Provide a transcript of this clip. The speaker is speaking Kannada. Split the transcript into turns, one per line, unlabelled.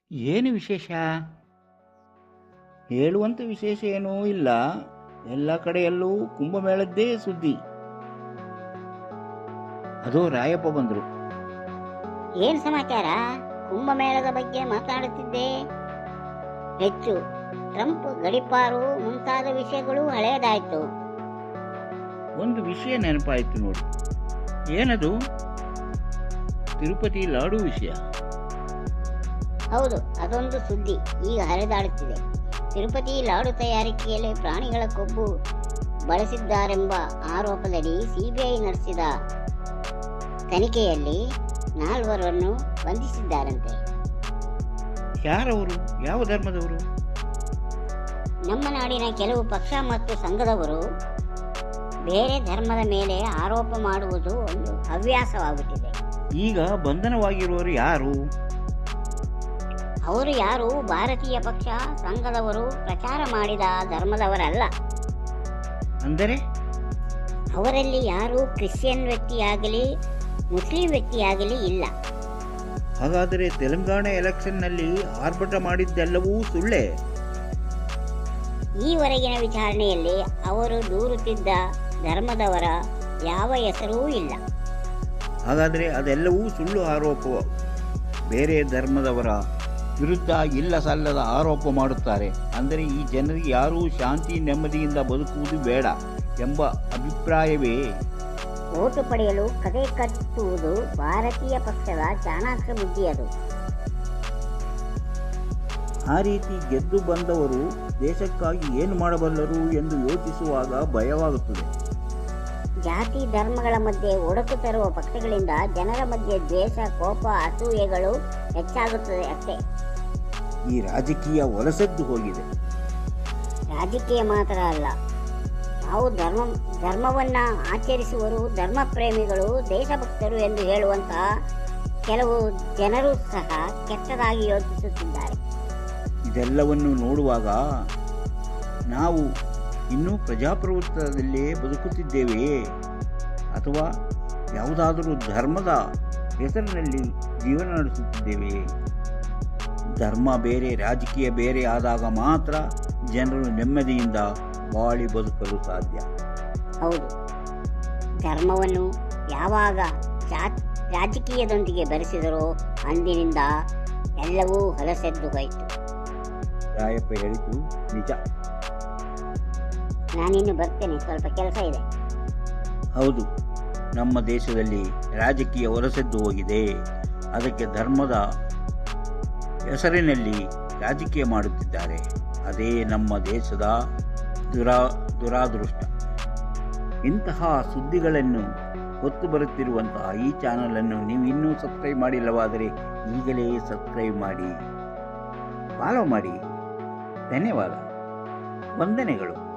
ಏನು ವಿಶೇಷ? ಹೇಳುವಂಥ ವಿಶೇಷ ಏನೂ ಇಲ್ಲ. ಎಲ್ಲ ಕಡೆಯಲ್ಲೂ ಕುಂಭಮೇಳದ್ದೇ ಸುದ್ದಿ. ಅದು ರಾಯಪ್ಪ ಬಂದರು.
ಏನ್ ಸಮಾಚಾರ? ಕುಂಭಮೇಳದ ಬಗ್ಗೆ ಮಾತನಾಡುತ್ತಿದ್ದೆ. ಹೆಚ್ಚು ಟ್ರಂಪ್ ಗಡೀಪಾರು ಮುಂತಾದ ವಿಷಯಗಳು ಹಳೆಯದಾಯ್ತು.
ಒಂದು ವಿಷಯ ನೆನಪಾಯಿತು ನೋಡಿ. ಏನದು? ತಿರುಪತಿ ಲಾಡು ವಿಷಯ.
ಹೌದು, ಅದೊಂದು ಸುದ್ದಿ ಈಗ ಹರಿದಾಡುತ್ತಿದೆ. ತಿರುಪತಿ ಲಾಡು ತಯಾರಿಕೆಯಲ್ಲಿ ಪ್ರಾಣಿಗಳ ಕೊಬ್ಬು ಬಳಸಿದ್ದಾರೆಂಬ ಆರೋಪದಡಿ ಸಿಬಿಐ ನಡೆಸಿದ ತನಿಖೆಯಲ್ಲಿ 4 ಬಂಧಿಸಿದ್ದಾರಂತೆ.
ಯಾರವರು? ಯಾವ ಧರ್ಮದವರು?
ನಮ್ಮ ನಾಡಿನ ಕೆಲವು ಪಕ್ಷ ಮತ್ತು ಸಂಘದವರು ಬೇರೆ ಧರ್ಮದ ಮೇಲೆ ಆರೋಪ ಮಾಡುವುದು ಒಂದು ಹವ್ಯಾಸವಾಗುತ್ತಿದೆ.
ಈಗ ಬಂಧನವಾಗಿರುವವರು ಯಾರು?
ಅವರು ಯಾರು ಭಾರತೀಯ ಪಕ್ಷ ಸಂಘದವರು ಪ್ರಚಾರ ಮಾಡಿದ ಧರ್ಮದವರಲ್ಲ.
ಅಂದರೆ
ಅವರಲ್ಲಿ ಯಾರೂ ಕ್ರಿಶ್ಚಿಯನ್ ವ್ಯಕ್ತಿಯಾಗಲಿ ಮುಸ್ಲಿಂ ವ್ಯಕ್ತಿಯಾಗಲಿ ಇಲ್ಲ.
ಹಾಗಾದರೆ ತೆಲಂಗಾಣ ಎಲೆಕ್ಷನ್ನಲ್ಲಿ ಆರ್ಭಟ ಮಾಡಿದ್ದೆಲ್ಲವೂ ಸುಳ್ಳೆ?
ಈವರೆಗಿನ ವಿಚಾರಣೆಯಲ್ಲಿ ಅವರು ದೂರುತ್ತಿದ್ದ ಧರ್ಮದವರ ಯಾವ ಹೆಸರೂ ಇಲ್ಲ.
ಹಾಗಾದರೆ ಅದೆಲ್ಲವೂ ಸುಳ್ಳು ಆರೋಪ. ಬೇರೆ ಧರ್ಮದವರ ವಿರುದ್ಧ ಇಲ್ಲ ಸಲ್ಲದ ಆರೋಪ ಮಾಡುತ್ತಾರೆ. ಅಂದರೆ ಈ ಜನರಿಗೆ ಯಾರೂ ಶಾಂತಿ ನೆಮ್ಮದಿಯಿಂದ ಬದುಕುವುದು ಬೇಡ ಎಂಬ ಅಭಿಪ್ರಾಯವೇ?
ಓಟು ಪಡೆಯಲು ಕತೆ ಕಟ್ಟುವುದು ಭಾರತೀಯ ಪಕ್ಷದ ಚಾಣಾಕ್ಷ ಬುದ್ಧಿ. ಅದು
ಆ ರೀತಿ ಗೆದ್ದು ಬಂದವರು ದೇಶಕ್ಕಾಗಿ ಏನು ಮಾಡಬಲ್ಲರು ಎಂದು ಯೋಚಿಸುವಾಗ ಭಯವಾಗುತ್ತದೆ.
ಜಾತಿ ಧರ್ಮಗಳ ಮಧ್ಯೆ ಒಡಕು ತರುವ ಪಕ್ಷಗಳಿಂದ ಜನರ ಮಧ್ಯೆ ದ್ವೇಷ, ಕೋಪ, ಅಸೂಯೆಗಳು ಹೆಚ್ಚಾಗುತ್ತದೆ ಅಷ್ಟೇ.
ಈ ರಾಜಕೀಯ ಒಲಸೆದ್ದು ಹೋಗಿದೆ.
ರಾಜಕೀಯ ಮಾತ್ರ ಅಲ್ಲ, ನಾವು ಧರ್ಮವನ್ನ ಆಚರಿಸುವರು, ಧರ್ಮ ಪ್ರೇಮಿಗಳು, ದೇಶಭಕ್ತರು ಎಂದು ಹೇಳುವಂತಹ ಕೆಲವು ಜನರು ಸಹ ಕೆಟ್ಟದಾಗಿ ಯೋಚಿಸುತ್ತಿದ್ದಾರೆ.
ಇದೆಲ್ಲವನ್ನು ನೋಡುವಾಗ ನಾವು ಇನ್ನೂ ಪ್ರಜಾಪ್ರಭುತ್ವದಲ್ಲೇ ಬದುಕುತ್ತಿದ್ದೇವೆಯೇ ಅಥವಾ ಯಾವುದಾದರೂ ಧರ್ಮದ ಹೆಸರಿನಲ್ಲಿ ಜೀವನ ನಡೆಸುತ್ತಿದ್ದೇವೆಯೇ? ಧರ್ಮ ಬೇರೆ ರಾಜಕೀಯ ಬೇರೆ ಆದಾಗ ಮಾತ್ರ ಜನರು ನೆಮ್ಮದಿಯಿಂದ ಬಾಳಿ ಬದುಕಲು ಸಾಧ್ಯ.
ಹೌದು, ಧರ್ಮವನ್ನು ಯಾವಾಗ ರಾಜಕೀಯದೊಂದಿಗೆ ಬೆರೆಸಿದರೋ ಅಂದಿನಿಂದ ಎಲ್ಲವೂ ಹೊಲಸೆದ್ದು ಹೋಯಿತು.
ರಾಯಪ್ಪ ಹೇಳಿದ್ದು ನಿಜ.
ನಾನಿನ್ನು ಬರ್ತೇನೆ, ಸ್ವಲ್ಪ ಕೆಲಸ ಇದೆ.
ಹೌದು, ನಮ್ಮ ದೇಶದಲ್ಲಿ ರಾಜಕೀಯ ಹೊಲಸೆದ್ದು ಹೋಗಿದೆ. ಅದಕ್ಕೆ ಧರ್ಮದ ಹೆಸರಿನಲ್ಲಿ ರಾಜಕೀಯ ಮಾಡುತ್ತಿದ್ದಾರೆ. ಅದೇ ನಮ್ಮ ದೇಶದ ದುರಾದೃಷ್ಟ. ಇಂತಹ ಸುದ್ದಿಗಳನ್ನು ಹೊತ್ತು ಬರುತ್ತಿರುವಂತಹ ಈ ಚಾನಲನ್ನು ನೀವು ಇನ್ನೂ ಸಬ್ಸ್ಕ್ರೈಬ್ ಮಾಡಿಲ್ಲವಾದರೆ ಈಗಲೇ ಸಬ್ಸ್ಕ್ರೈಬ್ ಮಾಡಿ, ಫಾಲೋ ಮಾಡಿ. ಧನ್ಯವಾದ, ವಂದನೆಗಳು.